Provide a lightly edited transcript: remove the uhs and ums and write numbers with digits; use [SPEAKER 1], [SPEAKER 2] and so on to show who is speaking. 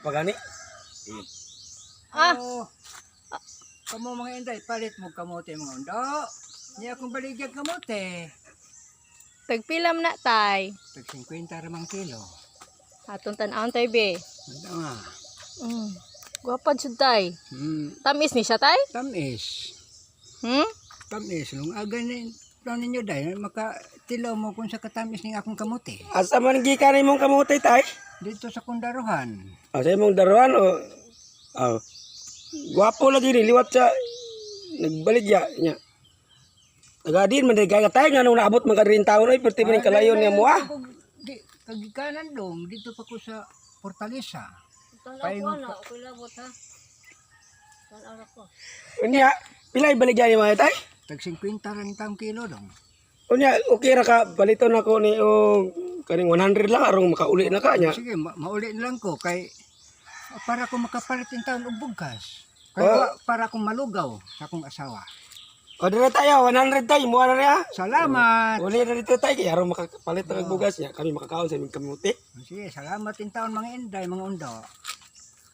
[SPEAKER 1] pagani.
[SPEAKER 2] Oh, kamo mga inday, palit mo kamote mga undo. Niya akong baligyan kamote.
[SPEAKER 3] Tagpilam na tay.
[SPEAKER 2] Tag 50 ramang kilo.
[SPEAKER 3] Atong tan-aon tay be.
[SPEAKER 2] Ano nga?
[SPEAKER 3] Gwapad jud tay. Tamis ni siya tay?
[SPEAKER 2] Tamis.
[SPEAKER 3] Hmm?
[SPEAKER 2] Tamis. Nung aga ni ninyo day, makatilaw mo kung sa katamis ng akong kamote.
[SPEAKER 1] Asa man gikan imong kamote tay?
[SPEAKER 2] Dito sa Kundaruhan.
[SPEAKER 1] Sa imong daruan o gwapo lagi ni liwat sa nagbaligya nya. Tagadin man day kaya tay nga nung naabot man ka rin taon ay perti man kalayon niya mo ah.
[SPEAKER 2] Di, kagikanan dong, dito pa ko sa Fortaleza.
[SPEAKER 3] Tanaw ko na, okay labot ha. Tanaw ko.
[SPEAKER 1] Unya, pilay baligya ni mga tay?
[SPEAKER 2] Tag 50 rin taong kilo dong.
[SPEAKER 1] Unya, okay ra ka baliton ako ni o kaning 100 lang arong makauli na ka nya.
[SPEAKER 2] Sige, mauli na lang ko kay para ko makapalit yung taon og bugas. Kaya para akong malugaw sa akong asawa.
[SPEAKER 1] O dira tayo 100 tay mo na niya.
[SPEAKER 2] Salamat.
[SPEAKER 1] Uli na dito tay kay arong makapalit ng bugas niya. Kami makakaon sa aming kamote.
[SPEAKER 2] Sige, salamat yung taon mga inday, mga undo.